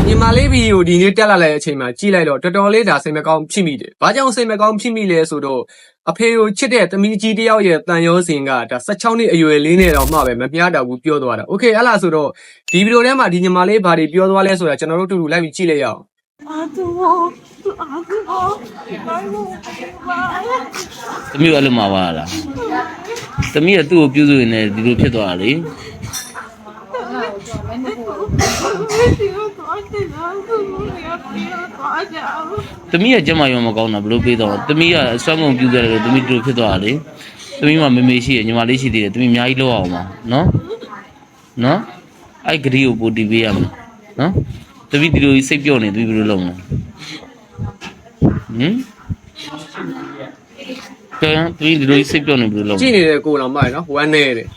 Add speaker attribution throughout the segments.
Speaker 1: ညီမလေးဗီဒီယိုဒီနေ့တက်လာတဲ့အချိန်မှာကြည့်လိုက်တော့တော်တော်လေးဒါစိတ်မကောင်းဖြစ်မိတယ်။ဘာကြောင့်စိတ်မကောင်းဖြစ်မိလဲဆိုတော့အဖေကိုချစ်တဲ့သမီးကြီးတယောက်ရဲ့တန်ရောစင်ကဒါ16နှစ်အရွယ်လေးနဲ့တော့မှပဲမမျှတော့ဘူးပြောသွားတာ။ Okay အဲ့လားဆိုတော့ဒီဗီဒီယိုထဲမှာဒီညီမလေးဘာတွေပြောသွားလဲဆိုတာကျွန်တော်တို့တူတူလိုက်ပြီးကြည့်လိုက်ရအောင်။
Speaker 2: သမီးကအဲ့လိုမှာပါလားသမီးကသူ့ကိုပြုစုနေဒီလိုဖြစ်သွားတာလေသမီးကကျမရောမကောင်းတာဘလို့ပေးတော့သမီးကအစွမ်းကုန်ပြုခဲ့တယ်လို့သမီးဒီလိုဖြစ်သွားတာလေသမီးမှမေမေရှိရညီမလေးရှိသေးတယ်သမီးအများကြီးလောက်အောင်ပါနော်အဲ့ဂရီကိုပို့တီးပေးရမယ်နော်သမီးဒီလိုစိတ်ပြော့နေသမီးဘယ်လိုလုပ်မလဲပြန်ပြီးဒီလိုစိတ်ပြော့နေဘယ်လိုလုပ်
Speaker 1: ကြည့်နေတဲ့ကိုတော်မရနော်ဝမ်းနေတယ်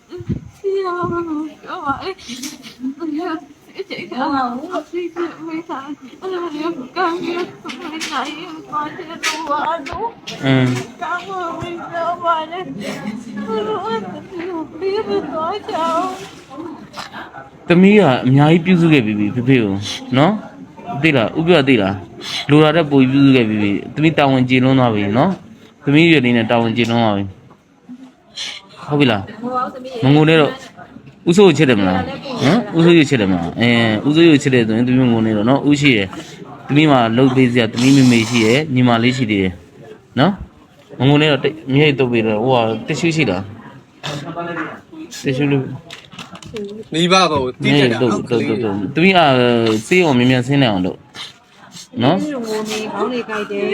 Speaker 2: သမီးကအများကြီးပြုစုခဲ့ပြီဖေဖေကိုနော်သိလားဥပြသိလားလိုလာတဲ့ပုံပြုစုခဲ့ပြီသမီးတာဝန်ကျေလွန်းသွားပြီနော်သမီးရွယ်လေးနဲ့တာဝန်ကျေလွန်းသွားပြီဟုတ်ပြီလားမငုံနဲ့တော့ဥဆိုးကိုချစ်တယ်မလားဟမ်ဥဆိုးကိုချစ်တယ်မလားဥဆိုးကိုချစ်တယ်ဆိုရင်သမီးငုံနေတော့နော်ဥရှိရယ်သမီးမှာလှုပ်ပေးစရာသမီးမေမေရှိရယ်ညီမလေးရှိသေးတယ်နော်မငုံနဲ့တော့မြေတုပ်ပြီးတော့ဟိုကတ िश ူးရှိတာတ िश ူးလို့
Speaker 1: မိဘဘကိုတိကျတာ
Speaker 2: ဟုတ်သမီးစေးအောင်မြင်မြန်ဆင်းနေအောင်လို့နော်
Speaker 3: ငိုနေခေါင်းတွေကြိုက်တယ်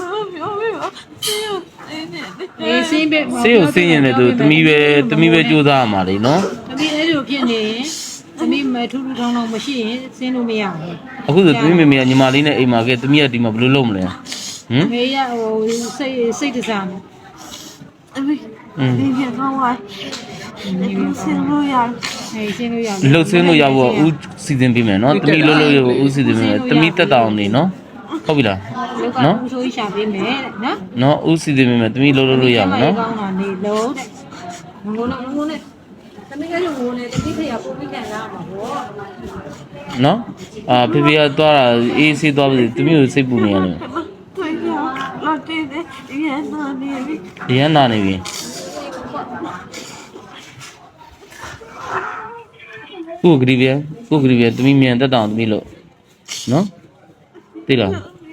Speaker 3: အေးစင်းပဲ
Speaker 2: စေးကိုဆင်းရင်လည်းသမီးပဲကြိုးစားရမှာလေနော်
Speaker 3: သမီးအဲ့လိုဖြစ်နေရင်သမီးမထူးထူးထောင်းထောင်းမရှိရင်စင်းလို့မရဘူး
Speaker 2: အခုဆိုသမီးမေမေကညီမလေးနဲ့အိမ်မှာကဲသမီးကဒီမှာဘယ်လိုလုပ်မလဲ
Speaker 3: မေရဟိုစိတ်တစားမယ်
Speaker 4: ဒီပြန်ကောင်းသွားဆင်းလို့ရ
Speaker 3: ဆင်းလို့ရ
Speaker 2: လှုပ်ဆင်းလို့ရဖို့ဦးစီစဉ်ပေးမယ်နော်သမီးလှုပ်ရဖို့ဦးစီစဉ်ပေးမယ်သမီးတက်တောင်နေနော်ဟုတ်ပြီလား
Speaker 3: နော်ဦးဆိုရှာပေးမယ်
Speaker 2: နော်ဦးစီစဉ်ပေးမယ်သမီးလှုပ်လို့ရမှာနော်
Speaker 3: ကောင်းတာနေလုံးတဲ့ငိုနဲ့သမီးကလည်းငိုနေသမီးခေရပို့ပြီးခံရမှာပေါ့
Speaker 2: နော်ဖေဖေကသွားတာအေးဆေးသွားပြီသမီးကိုစိတ်ပူနေရတယ်
Speaker 4: တွေ့ရလာတဲ့ရန်နာနေပြီ
Speaker 2: ရန်နာနေပြီကိုဂရီဗျာသမီးမြန်တက်တောင်သမီးလို့နော်သိလား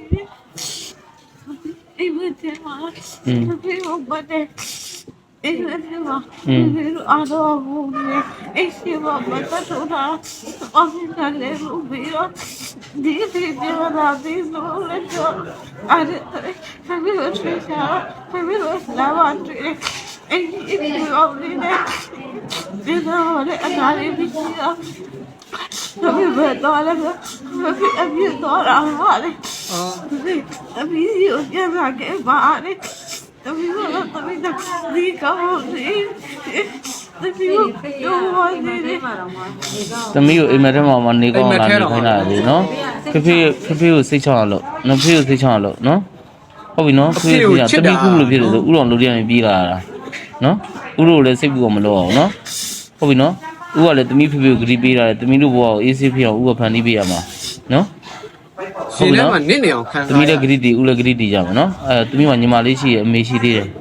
Speaker 4: အေးမတဲ့မှာဖေးဘတ်တဲ့အေးမတဲ့မှာအားတော့ဘူးအေးစီဘတ်တော့အော်ဒါလည်းဘူးပြီးတော့ဒီပြောတာဒီလိုလဲတော့အဲ့ဒါဖေးလို့ဆွေးချာဖေးလို့လာပါတွေ့အေးပြောနေတယ်ဒီတော့လည်းအနားလေးပြီးတော့သမီးဘယ်တော့လဲအပြည့်တော့ရမှာလေအပြည့်ကိုပြန်လာခဲ့ပါလေသမီးတော့သမီးတော့ဒီကောင်းနေသမီးကိုပြောနေတယ်
Speaker 2: သမီးကိုအိမ်မက်ထဲမှာနေကောင်းလာနေခိုင်းတာလေနော်ဖေကိုစိတ်ချအောင်လို့နော်ဖေကိုစိတ်ချအောင်လို့နော်ဟုတ်ပြီနော်ဖေကသမီးခုလိုဖြစ်လို့ဆိုဥတော်လူတိုင်းပြေးလာတာနော်ဥတို့လည်းစိတ်ပူအောင်မလုပ်အောင်နော်ဟုတ်ပြီနော်ဥကလည်းသမီးဖေကိုဂရီပေးတာလေသမီးတို့ဘဝကိုအေးဆေးဖြစ်အောင်ဥကဖန်တီးပေးရမှာနော်
Speaker 1: ရှင်လည်းမနစ်နေအောင်ခံ
Speaker 2: သမီးလည်းဂရီတီဥလည်းဂရီတီကြမှာနော်သမီးကညီမလေးရှိရအမေရှိသေးတယ်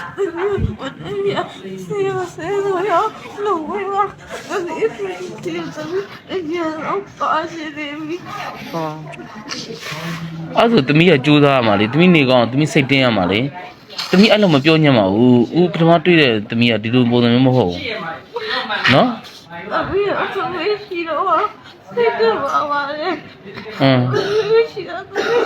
Speaker 4: ဆေးရလို့ဝါဒီတီသမီးရအောင်ပါစီတယ်
Speaker 2: အဲ့ဆိုသမီးကကြိုးစားရမှာလေသမီးနေကောင်းသမီးစိတ်တင်းရမှာလေသမီးအဲ့လိုမပြောညံ့ပါဘူးဦးပထမတွေ့တဲ့သမီးကဒီလိုပုံစံမျိုးမဟုတ်ဘူးနော်
Speaker 4: အမေအဖေရှိတော့စိတ်ကပါလေရှိတော့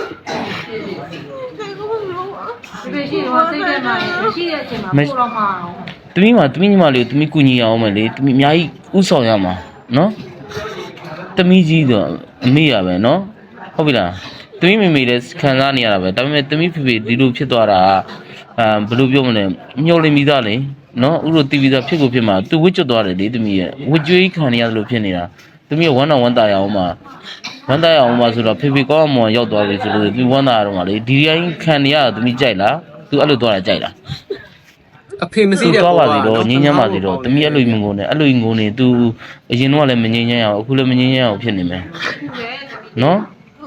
Speaker 3: ရှိတော့စိတ်ထဲမှာရှိတဲ့အချိန်မှာပို့တော့မှာ
Speaker 2: သမီးညီမလေးကိုသမီးကူညီအောင်မယ်လေသမီးအများကြီးဥဆောင်ရမှာနော်သမီးကြီးဆိုအမေရပဲနော်ဟုတ်ပြီလားသမီးမေမေလည်းခံစားနေရတာပဲဒါပေမဲ့သမီးဖေဖေဒီလိုဖြစ်သွားတာဘယ်လိုပြောမလဲညှို့လိမ့်ပြီးသားလေနော်ဥတို့တီဗီသားဖြစ်ကိုဖြစ်မှာသူဝစ်ကျွတ်သွားတယ်လေသမီးရဲ့ဝစ်ကြွေးခံနေရတယ်လို့ဖြစ်နေတာသမီးကဝမ်းတော်ဝမ်းတာရအောင်မှာဆိုတော့ဖေဖေကောင်းအောင်ရောက်သွားပြီဆိုလို့သူဝမ်းတာရတော့မှာလေဒီတိုင်းခံနေရတာသမီးကြိုက်လားသူအဲ့လိုသွားတာကြိုက်လား
Speaker 1: အဖေမစိတဲ့
Speaker 2: ပေါ်ပါစီတော့ငင်းညမ်းပါစီတော့သမီးအဲ့လိုငုံနေသူအရင်တော့လည်းမငင်းညမ်းရအောင်အခုလည်းမငင်းညမ်းအောင်ဖြစ်နေမယ်နော်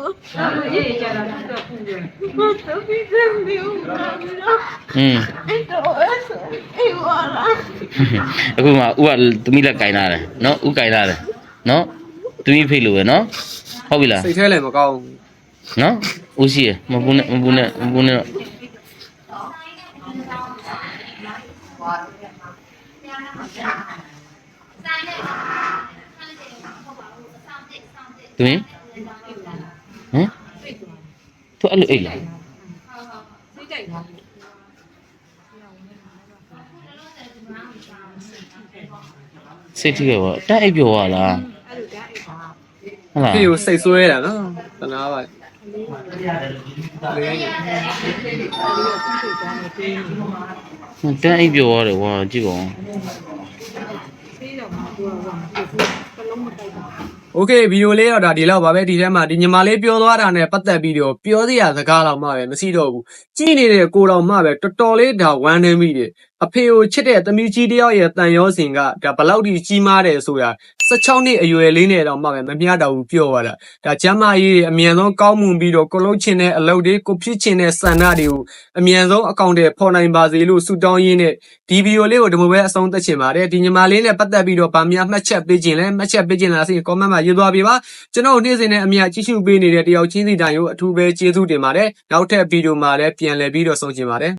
Speaker 4: 我这边真没有看到，
Speaker 2: อืม
Speaker 4: 哎，这我是哎我了，
Speaker 2: အခုမှဥကသမီးလက်ကင်လာတယ်နော်ဥကင်လာတယ်နော်သမီးဖိတ်လို့ပဲနော်ဟုတ်ပြီလား
Speaker 1: စိတ်ထဲလည်းမကောင်းဘူး
Speaker 2: နော်ဦးရှိရမပူနဲ့မပူနဲ့မပူနဲ့တော့သမီးဟမ်သူအဲ့လိုအိတ်လား
Speaker 3: စိတ်ကြိုက်တာ
Speaker 2: စိတ်ထိခဲ့ပါတက်အိတ်ပြောရလား
Speaker 3: အဲ့လိုကြားအိတ်ပါ
Speaker 2: ဟုတ်လား
Speaker 1: ဖေကိုစိတ်ဆွဲတာနော်တနာပါလေ
Speaker 2: တက်အိတ်ပြောရတယ်ကွာကြည့်ပါဦး
Speaker 3: ပြီးတော့မှသူကဟိုကလုံးမတိုက်တာ
Speaker 1: โอเคဗီဒီယိုလေးတော့ဒါဒီလောက်ပါပဲဒီထဲမှာဒီညီမလေးပြောသွားတာနဲ့ပတ်သက်ပြီးတော့ပြောစရာစကားတော့မှပဲမရှိတော့ဘူးကြည်နေတဲ့ကိုတော်မှပဲတော်တော်လေးဒါဝမ်းနေမိတယ်အဖေကိုချစ်တဲ့သမီးကြီးတယောက်ရဲ့တန်ရောစင်ကဒါဘလောက်ထိကြီးမားတယ်ဆိုတာ16နှစ်အရွယ်လေးနဲ့တော့မှပဲမမျှတော့ဘူးပြောသွားတာဒါကျမ်းမာရေးအမြန်ဆုံးကောင်းမွန်ပြီးတော့ကိုလုံးချင်တဲ့အလုပ်တွေကိုဖြစ်ချင်တဲ့စံနာတွေကိုအမြန်ဆုံးအကောင့်တွေဖော်နိုင်ပါစေလို့ဆုတောင်းရင်းနဲ့ဒီဗီဒီယိုလေးကိုဒီလိုပဲအဆုံးသတ်ချင်ပါတယ်ဒီညီမလေးနဲ့ပတ်သက်ပြီးတော့ဗာများမှတ်ချက်ပေးခြင်းလဲမှတ်ချက်ပေးခြင်းလားဆိုရင် comment မှာရေးသွားပေးပါကျွန်တော်နေ့စဉ်နဲ့အမြကြည့်ရှုပေးနေတဲ့တယောက်ချင်းစီတိုင်းကိုအထူးပဲကျေးဇူးတင်ပါတယ်နောက်ထပ်ဗီဒီယိုမှာလည်းပြန်လည်ပြီးတော့ဆုံချင်ပါတယ်